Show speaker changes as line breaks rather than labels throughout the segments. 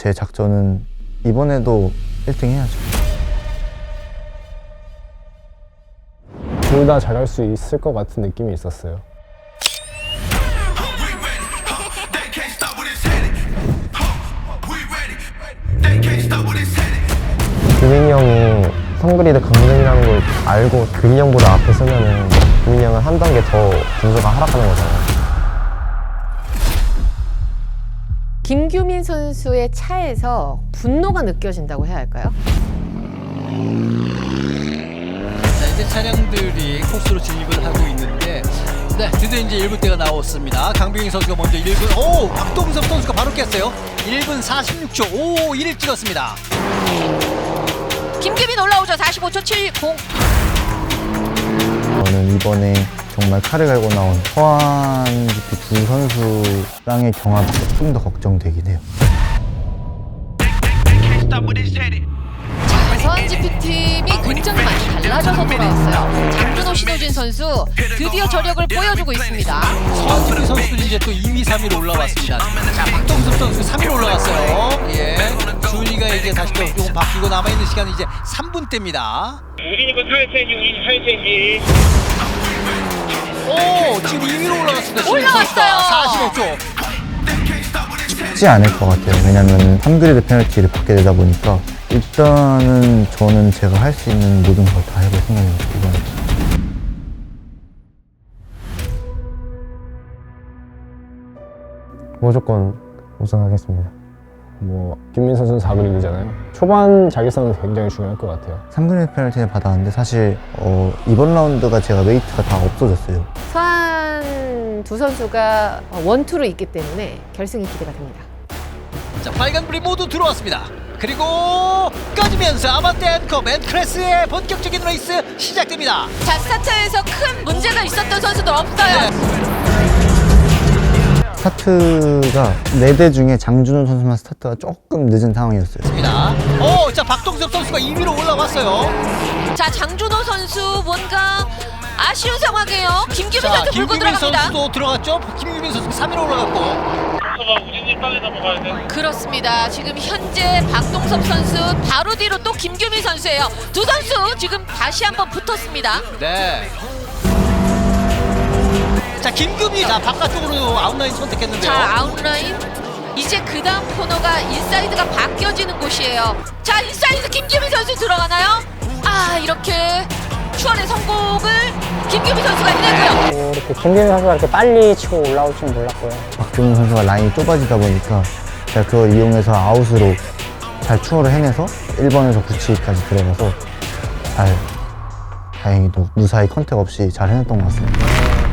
제 작전은 이번에도 1등 해야죠.
둘 다 잘할 수 있을 것 같은 느낌이 있었어요. 규민이 형이 성그리드 강등이라는 걸 알고 규민이 형보다 앞에 서면은 규민이 형은 한 단계 더 분수가 하락하는 거잖아요.
김규민 선수의 차에서 분노가 느껴진다고 해야 할까요?
자, 이제 차량들이 코스로 진입을 하고 있는데, 네, 드디어 이제 1분대가 나왔습니다. 강병희 선수가 먼저 1분, 오! 박동섭 선수가 바로 깼어요. 1분 46초 551을 찍었습니다.
김규민 올라오죠. 45초 70.
저는 이번에 정말 칼을 갈고 나온 서한 GP 두 선수랑의 경합이 좀 더 걱정되긴 해요.
서한 GP팀이 굉장히 많이 달라져서 돌아왔어요. 장준호, 신호진 선수 드디어 저력을 보여주고 있습니다.
서한지피 선수들이 이제 또 2위, 3위로 올라왔습니다. 자, 박동섭 선수 3위로 올라왔어요. 예. 준이가 이제 다시 또 조금 바뀌고 남아있는 시간은 이제 3분대입니다.
우진이 거 타이어 체인지, 우진이 타이어 체인지.
오! 지금 2위로 올라갔습니다.
올라왔어요.
45초.
쉽지 않을 것 같아요. 왜냐면 3그리드 페널티를 받게 되다 보니까 일단은 저는 제가 할 수 있는 모든 걸 다 해볼 생각입니다. 이번에.
무조건 우승하겠습니다. 김민 선수는 4그리드잖아요. 초반 자기성은 굉장히 중요할 것 같아요.
3그리드 페널티를 받았는데 사실 이번 라운드가 제가 웨이트가 다 없어졌어요.
서한 두 선수가 원투로 있기 때문에 결승이 기대가 됩니다.
자, 빨간불이 모두 들어왔습니다. 그리고 꺼지면서 아반떼 앤커 맨크레스의 본격적인 레이스 시작됩니다.
자, 스타트에서 큰 문제가 있었던 선수들 없어요.
스타트가 4대 중에 장준호 선수만 스타트가 조금 늦은 상황이었어요.
오, 자, 박동섭 선수가 2위로 올라왔어요.
자, 장준호 선수 뭔가 아쉬운 상황이에요. 김규민
자,
선수 물고
김규민
들어갑니다.
선수도 들어갔죠. 김규민 선수 3위로 올라갔고.
선수가 우진이 땅에다 먹어야 돼.
그렇습니다. 지금 현재 박동섭 선수 바로 뒤로 또 김규민 선수예요. 두 선수 지금 다시 한번 붙었습니다.
네. 자, 김규민, 자, 바깥쪽으로 아웃라인 선택했는데요.
자, 아웃라인. 이제 그 다음 코너가 인사이드가 바뀌어지는 곳이에요. 자, 인사이드 김규민 선수 들어가나요? 아, 이렇게 추월의 성공을 김규민 선수가 해내고요.
이렇게 김민 선수가 이렇게 빨리 치고 올라올 줄 몰랐고요.
박준호 선수가 라인이 좁아지다 보니까 제가 그걸 이용해서 아웃으로 잘 추월을 해내서 1번에서 9치기까지 들어가서 다행히도 무사히 컨택 없이 잘 해냈던 것 같습니다.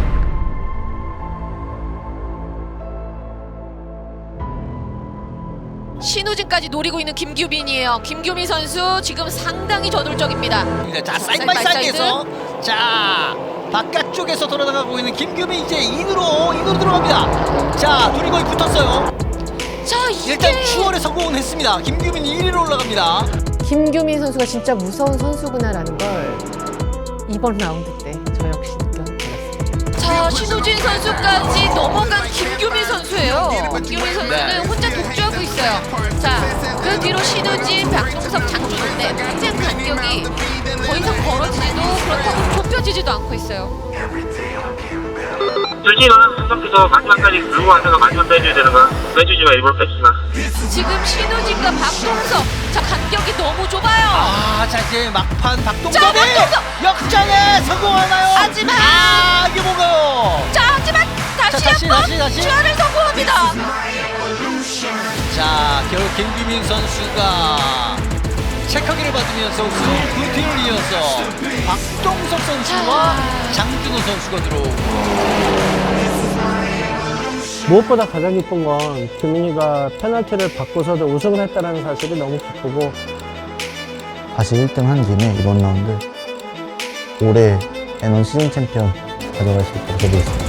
신우진까지 노리고 있는 김규민이에요. 김규민 선수 지금 상당히 저돌적입니다.
자, 사이드 바이 사이드에서 자, 바깥쪽에서 돌아나가고 있는 김규민 이제 인으로 들어갑니다. 자, 둘이 거의 붙었어요.
자,
일단
이게
추월에 성공은 했습니다. 김규민이 1위로 올라갑니다.
김규민 선수가 진짜 무서운 선수구나라는 걸 이번 라운드 때 저 역시 느꼈습니다.
자, 신우진 선수까지 넘어간 김규민 선수예요. 김규민 선수는
네.
혼자 독주하고 있어요. 자, 그 뒤로 신우진, 박동섭, 장준호인데 현재 간격이 더 이상 벌어지지도 그렇다고 좁혀지지도 않고 있어요.
솔직히 너는 분석해서 마지막까지 물고 와서 마지막 빼줘야 되는 거야. 빼주지 마, 일부러 뺏지 마.
지금 신우진과 박동섭, 자, 간격이 너무 좁아요.
아, 자, 이제 막판
자,
박동섭이
박동섭!
역전에 성공하나요?
하지만!
아, 이게 뭔가요?
자, 하지만 다시
다시.
한번 추월을 성공합니다.
자, 결국 김규민 선수가 체크기를 받으면서 그 뒤를 이어서 박동섭 선수와 장준호 선수가 들어오고.
무엇보다 가장 기쁜 건 규민이가 페널티를 받고서도 우승을 했다는 사실이 너무 기쁘고
다시 1등 한 김에 이번 라운드 올해 N1 시즌 챔피언 가져갈 수 있도록 해보겠습니다.